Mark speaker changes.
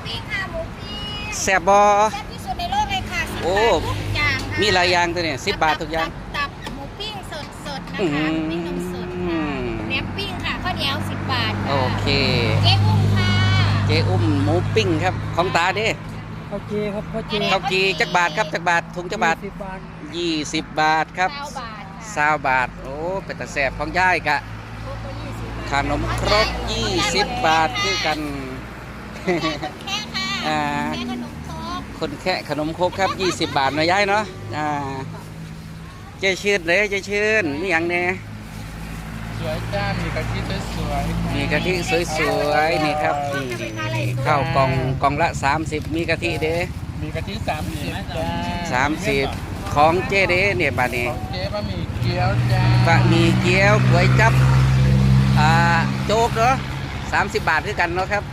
Speaker 1: ปิ้งค่ะหมูปิ้ง
Speaker 2: แซ่บบอ
Speaker 1: แซ่บที่สุดในโลกเลยค่ะ10
Speaker 2: โอ้
Speaker 1: บาททุกอย่างค่ะ
Speaker 2: มีหลายอย่างตัวเนี่ย10 บาททุกอย่าง
Speaker 1: ตับหมูปิ้งสดๆนะ
Speaker 2: อื้อ
Speaker 1: คะ
Speaker 2: หือ
Speaker 1: หมูปิ้งนมสดค่ะแหนมปิ้งค่ะข้าวเหนียว10 บาทค่ะ
Speaker 2: โอเค
Speaker 1: เจ๊อุ้มค่ะ
Speaker 2: เจ๊อุ้มหมูปิ้งครับของตาเด้
Speaker 3: ข้าวจีครับข้าวจี
Speaker 2: ข้าวจีจักบาทครับจักบาทถุงจักบาท
Speaker 3: 10 บาท
Speaker 2: 20 บาทครับ
Speaker 1: 20 บาทค่ะ
Speaker 2: 20 บาทโอ้เป็นตาแซ่บของยายกะ
Speaker 1: ครบก็20 บาท
Speaker 2: ขนมครก20 บาทคือกัน
Speaker 1: แค่ค่ะ
Speaker 2: อ่า
Speaker 1: แค่ขนมครก
Speaker 2: คนแค่ขนมครกครับ20 บาทนะยายเนาะเจ๊ชื่นเลยเจ๊ชื่นนี่อย่างเนี้ย
Speaker 3: สวยจ้ามีกะทิสวยๆ
Speaker 2: มีกะทิสวยๆนี่ครับนี่ข้าวกล่องละ30มีกะทิเด้
Speaker 3: มีกะทิ30จ้า
Speaker 2: 30ของเจ๊เด้เนี่ยบาดนี้
Speaker 3: ของเจ๊บะหมี่เกี๊ยวจ้า
Speaker 2: บะหมี่เกี๊ยวก๋วยจั๊บโจ๊กเนาะ30 บาทคือกันเนาะครับ